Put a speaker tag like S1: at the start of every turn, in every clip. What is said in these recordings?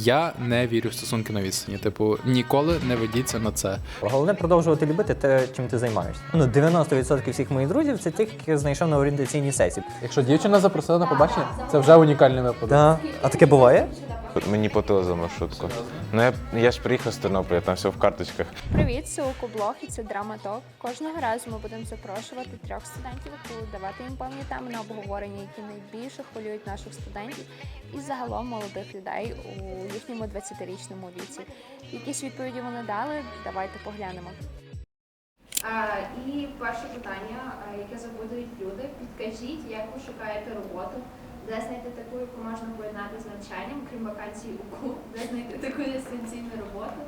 S1: Я не вірю в стосунки на відстані. Типу, ніколи не ведіться на це.
S2: Головне продовжувати любити те, чим ти займаєшся. 90% всіх моїх друзів це тих, яких знайшов на орієнтаційній сесії.
S3: Якщо дівчина запросила на побачення, це вже унікальний випадок.
S2: Да. А таке буває?
S4: Мені платили за маршрутку. Ну я ж приїхав з Тернополя, там все в карточках.
S5: Привіт, це Укоблог і це Драматок. Кожного разу ми будемо запрошувати 3 студентів УКУ, давати їм певні теми на обговорення, які найбільше хвилюють наших студентів і загалом молодих людей у їхньому 20-річному віці. Якісь відповіді вони дали? Давайте поглянемо. І перше питання, яке забудують люди. Підкажіть, як ви шукаєте роботу? Де знайти таку, яку можна поєднати з навчанням, крім вакансій УКУ? Де знайти таку дистанційну роботу?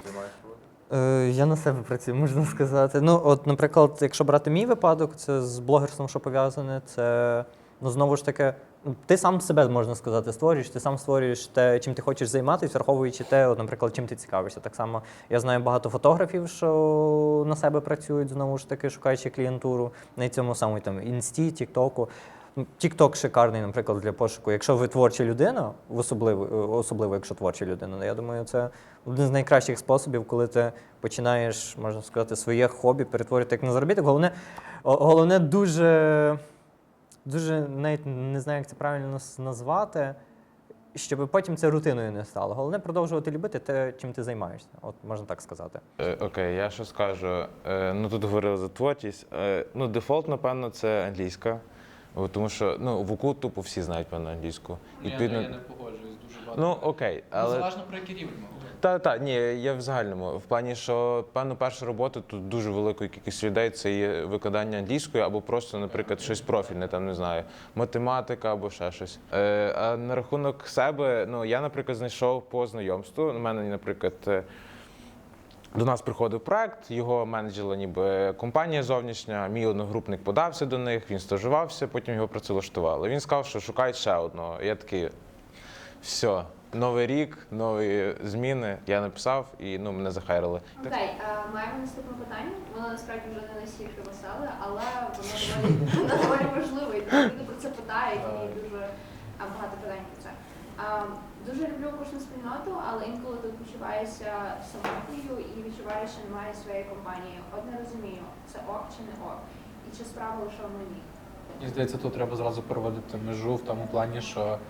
S2: Я на себе працюю, можна сказати. От, наприклад, якщо брати мій випадок, це з блогерством, що пов'язане, це, знову ж таки, ти сам себе, можна сказати, створюєш, ти сам створюєш те, чим ти хочеш займатися, враховуючи те, от, наприклад, чим ти цікавишся. Так само я знаю багато фотографів, що на себе працюють, знову ж таки, шукаючи клієнтуру на цьому самому там Інсті, Тіктоку. Тік-ток шикарний, наприклад, для пошуку. Якщо ви творча людина, особливо якщо творча людина, я думаю, це один з найкращих способів, коли ти починаєш, можна сказати, своє хобі перетворити як на заробіток. Головне дуже, навіть не знаю, як це правильно назвати, щоб потім це рутиною не стало. Головне продовжувати любити те, чим ти займаєшся. От можна так сказати.
S4: Окей, я що скажу. Тут говорили за творчість. Дефолт, напевно, це англійська. Тому що в УКУ тупо всі знають, певно, англійську.
S1: Я не погоджуюсь дуже багато.
S4: Окей, але...
S1: Залежно про який рівень.
S4: Ні, я в загальному. В плані, що, певно, перша робота тут дуже великої кількості людей це є викладання англійської або просто, наприклад, щось профільне, там, не знаю, математика або ще щось. А на рахунок себе, я, наприклад, знайшов по знайомству. У мене, наприклад, до нас приходив проект, його менеджерила ніби компанія зовнішня, мій одногрупник подався до них, він стажувався, потім його працевлаштували. Він сказав, що шукають ще одного. Я такий, все, новий рік, нові зміни. Я написав і мене захайрили.
S5: Окей, маємо наступне питання. Воно насправді вже не настільки веселе, але воно доволі важливе. І люди про це питають, і дуже багато питань про це. Дуже люблю кожну спільноту, але інколи тут почуваюся самотньою і відчуваю, що немає своєї компанії. От не розумію, це ок чи не ок, і чи справа лише в мені.
S3: Мені здається, тут треба зразу переводити межу в тому плані, що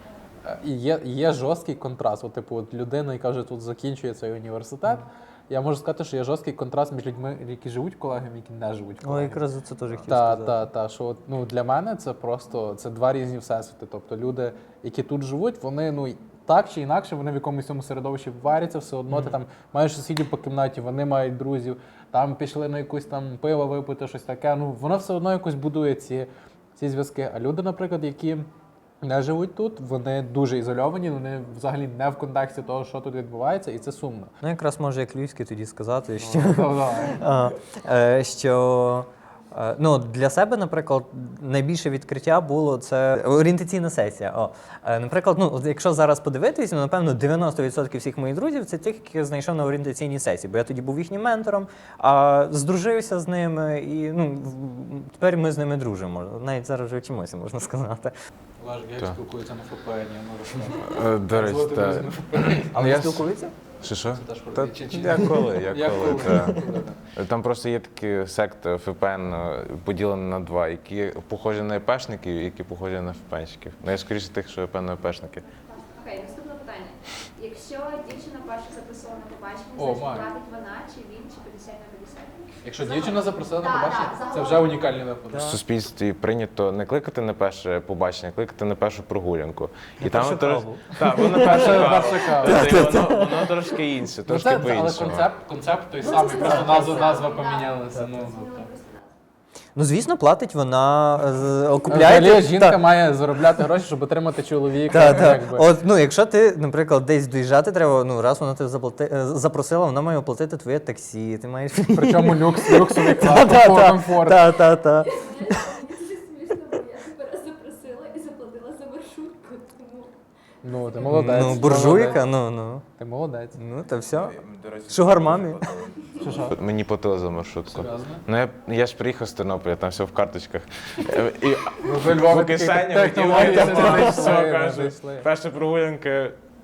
S3: є жорсткий контраст. От людина, яка вже тут закінчує цей університет, я можу сказати, що є жорсткий контраст між людьми, які живуть колегами, які не живуть колегами.
S2: Якраз це теж хотів сказати.
S3: Що для мене це просто два різні всесвіти. Тобто люди, які тут живуть, вони так чи інакше, вони в якомусь цьому середовищі варяться, все одно ти там маєш сусідів по кімнаті, вони мають друзів, там пішли на якусь там пиво випити, щось таке. Воно все одно якось будує ці зв'язки. А люди, наприклад, які не живуть тут, вони дуже ізольовані, вони взагалі не в контексті того, що тут відбувається, і це сумно.
S2: Якраз може як львівський тоді сказати, що для себе, наприклад, найбільше відкриття було це орієнтаційна сесія. Наприклад, якщо зараз подивитись, напевно, 90% всіх моїх друзів це тих, яких знайшов на орієнтаційній сесії, бо я тоді був їхнім ментором, здружився з ними і тепер ми з ними дружимо. Навіть зараз вже вчимося, можна сказати.
S1: Олег, як спілкується на ФПН?
S4: До речі, так.
S2: Але ви спілкуються?
S4: Що? Я коли. Там просто є такі секти ФПН поділені на два, які похожі на ЕПшників і які похожі на ФПНщиків. Я скоріше тих, що певно ЕПшники.
S5: Окей, наступне питання. Якщо дівчина перша запросила на побачення, значить платить вона, чи він, чи 50 на 50?
S3: Якщо дівчина запросила на побачення, це вже унікальний випадок.
S4: В суспільстві прийнято не кликати на перше побачення, а кликати на першу прогулянку.
S2: І там каву.
S4: Так, воно перша каву. Воно трошки інше, трошки по-іншому.
S3: Але концепт той самий, просто назва помінялася.
S2: Звісно, платить вона, окупляє.
S3: Взагалі жінка має заробляти гроші, щоб отримати чоловіка.
S2: Якщо ти, наприклад, десь доїжджати треба, раз вона тебе запросила, вона має оплатити твоє таксі, ти маєш...
S3: Причому люксовий клас, комфорт.
S5: Це смішно, бо я тебе раз запросила і заплатила за маршрутку, тому...
S3: Ти молодець.
S2: Буржуйка,
S3: Ти молодець.
S2: Та все. Шугар мамі.
S4: Мені платили за маршрутку.
S1: Серйозно?
S4: Я ж приїхав з Тернополя, там все в карточках.
S3: Во Львові
S4: в кишені
S3: технології
S4: витягнути,
S3: не
S4: все,
S3: знайшли,
S4: кажуть. Перша прогулянка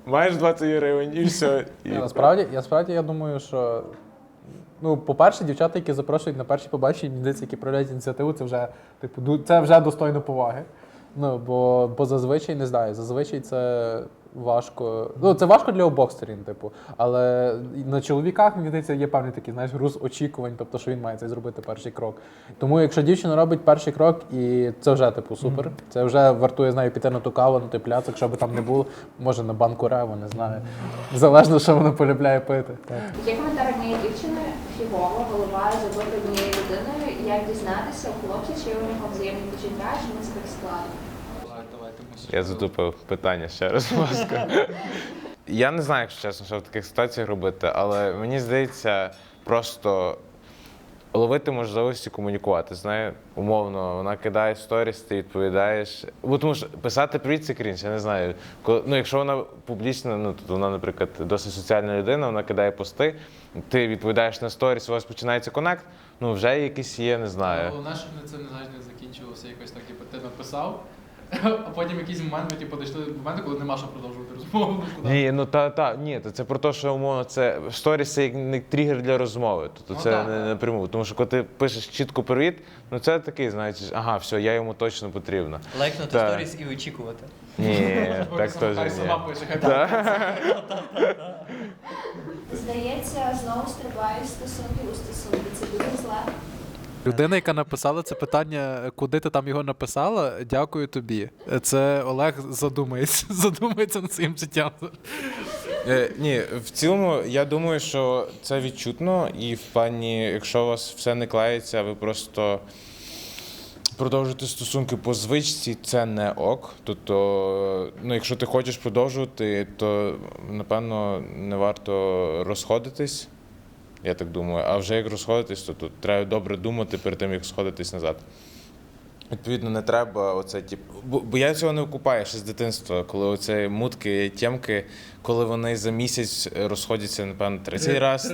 S4: Маєш 20 гривень і все. І...
S3: Насправді, я думаю, що ну, по-перше, дівчата, які запрошують на перші побачення, мені здається, які проявляють ініціативу, це вже, типу, це вже достойно поваги. Ну, бо зазвичай, не знаю, зазвичай це важко. Ну, це важко для обох сторін, типу. Але на чоловіках, мені здається, є певний такий, знаєш, груз очікувань, тобто, що він має цей зробити перший крок. Тому, якщо дівчина робить перший крок, і це вже, типу, супер. Це вже вартує, знаю, піти на ту каву, на той пляцок, якщо би там не було, може на банку реву, не знаю. Залежно, що вона полюбляє пити. Так.
S5: Є коментар однієї дівчини, фігово, голова забити однією людиною, як дізнатися у хлопця, чи у нього взаємні почуття, чи не це так складно.
S4: Я затупив питання ще раз, будь ласка. Я не знаю, якщо чесно, що в таких ситуаціях робити, але мені здається, просто ловити можливості комунікувати. Знає, умовно, вона кидає сторіс, ти відповідаєш. Бо тому що писати привіт – це крінж, я не знаю. Ну, якщо вона публічна, ну, тут вона, наприклад, досить соціальна людина, вона кидає пости, ти відповідаєш на сторіс, у вас починається коннект, ну, вже якийсь є, не знаю.
S1: Головне, щоб це не закінчувалося якось так, типу, ти написав, а потім якийсь момент ми типу, дійшли до моменту, коли нема що продовжувати розмову.
S4: Ні, ну ні, це про те, що умовно це сторіс це як не тригер для розмови. Тобто
S1: Ну,
S4: це
S1: так,
S4: не напряму. Тому що коли ти пишеш чітко привіт, ну це такий, знаєш, ага, все, я йому точно потрібна.
S2: Лайкнути
S4: Так.
S2: сторіс і очікувати.
S4: Ні, так теж
S1: Хай
S4: ні.
S1: сама пише, хай так.
S5: Здається, знову стрибають стосунки у стосунки. Це дуже зле.
S1: Людина, яка написала це питання, куди ти там його написала, дякую тобі. Це Олег задумається над своїм життям.
S4: Ні, в цілому я думаю, що це відчутно, і в плані, якщо у вас все не клеїться, ви просто продовжуєте стосунки по звичці, це не ок. Тобто, ну, якщо ти хочеш продовжувати, то напевно не варто розходитись. Я так думаю. А вже як розходитись, то тут треба добре думати перед тим, як сходитись назад. Відповідно, не треба оце, бо я цього не окупаю ще з дитинства, коли оце мутки, тємки, коли вони за місяць розходяться, напевно, 30 раз,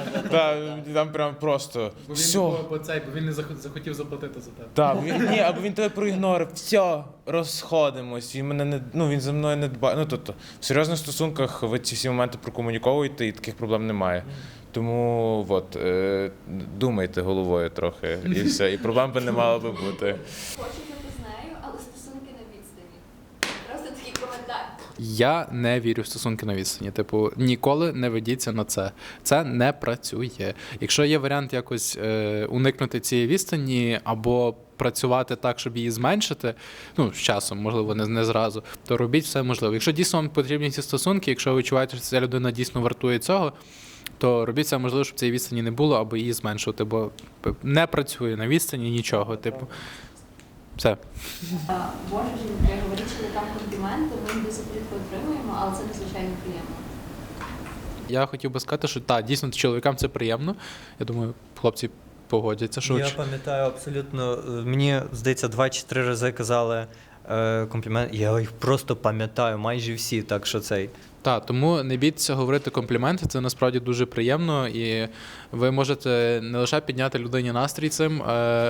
S4: там прям просто все.
S1: Бо він не захотів заплатити за тебе.
S4: Так, або він тебе проігнорив, все, розходимось, він за мною не дбає. Ну, тобто, в серйозних стосунках ви ці всі моменти прокомуніковуєте і таких проблем немає. Тому думайте головою трохи і все, і проблем би не мало би бути.
S5: Хочу бути з нею, але стосунки на відстані. Просто такий коментар.
S1: Я не вірю в стосунки на відстані. Типу, ніколи не ведіться на це. Це не працює. Якщо є варіант якось уникнути цієї відстані або працювати так, щоб її зменшити, ну, з часом, можливо, не зразу, то робіть все можливе. Якщо дійсно вам потрібні ці стосунки, якщо ви відчуваєте, що ця людина дійсно вартує цього, то робіть все можливе, щоб цієї відстані не було, або її зменшувати, бо не працює на відстані нічого. Типу, все.
S5: Боже, жінки, говорить чоловікам компліменти, ми їх дуже рідко отримуємо, але це надзвичайно приємно.
S1: Я хотів би сказати, що так, дійсно чоловікам це приємно. Я думаю, хлопці погодяться, що
S2: Я пам'ятаю абсолютно, мені здається, 2 чи 3 рази казали комплімент. Я їх просто пам'ятаю, майже всі, так що цей.
S1: Так, тому не бійтеся говорити компліменти, це насправді дуже приємно, і ви можете не лише підняти людині настрій цим,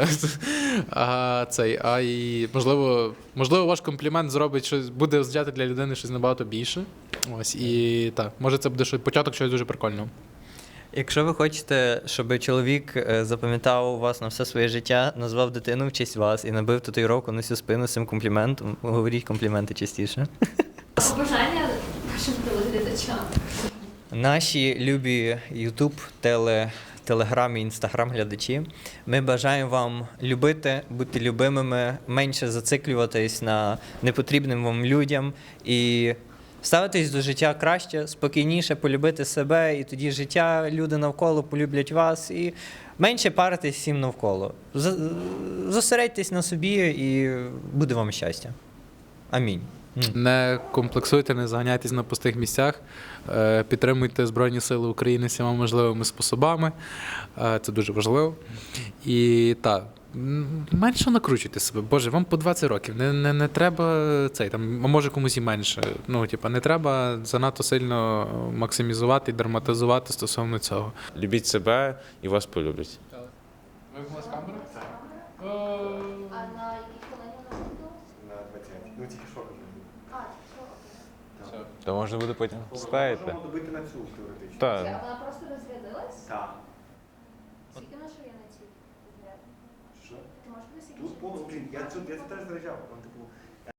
S1: а й можливо, ваш комплімент зробить щось, буде означати для людини щось набагато більше. Ось, і так, може це буде початок чогось дуже прикольного.
S2: Якщо ви хочете, щоб чоловік запам'ятав вас на все своє життя, назвав дитину в честь вас і набив татуїровку на всю спину з цим компліментом, говоріть компліменти частіше.
S5: Побажання нашим телеглядачам.
S2: Наші любі YouTube, Телеграм і Інстаграм глядачі, ми бажаємо вам любити, бути любимими, менше зациклюватись на непотрібним вам людям і ставитись до життя краще, спокійніше полюбити себе, і тоді життя, люди навколо полюблять вас, і менше паритись всім навколо. Зосередьтесь на собі і буде вам щастя. Амінь.
S1: Не комплексуйте, не заганяйтесь на пустих місцях, підтримуйте Збройні Сили України всіма можливими способами, це дуже важливо. І так, менше накручуйте себе. Боже, вам по 20 років, не треба цей, там, а може комусь і менше. Ну, типа, не треба занадто сильно максимізувати і драматизувати стосовно цього.
S4: Любіть себе і вас полюблять.
S1: Вимкнулась камера?
S5: А на якій хвилині у нас відбулося?
S6: На 20. Ну, тільки що кажу.
S5: А, що?
S1: Все.
S4: То можна буде потім ставити.
S6: Можемо добити на цю теоретично.
S4: Так.
S5: Вона просто розрядилась?
S6: Так.
S5: Скільки в нас є на цій?
S6: Що?
S5: Ти можеш скільки
S6: Тут повно, блін, я це теж заряджав. Там, типу,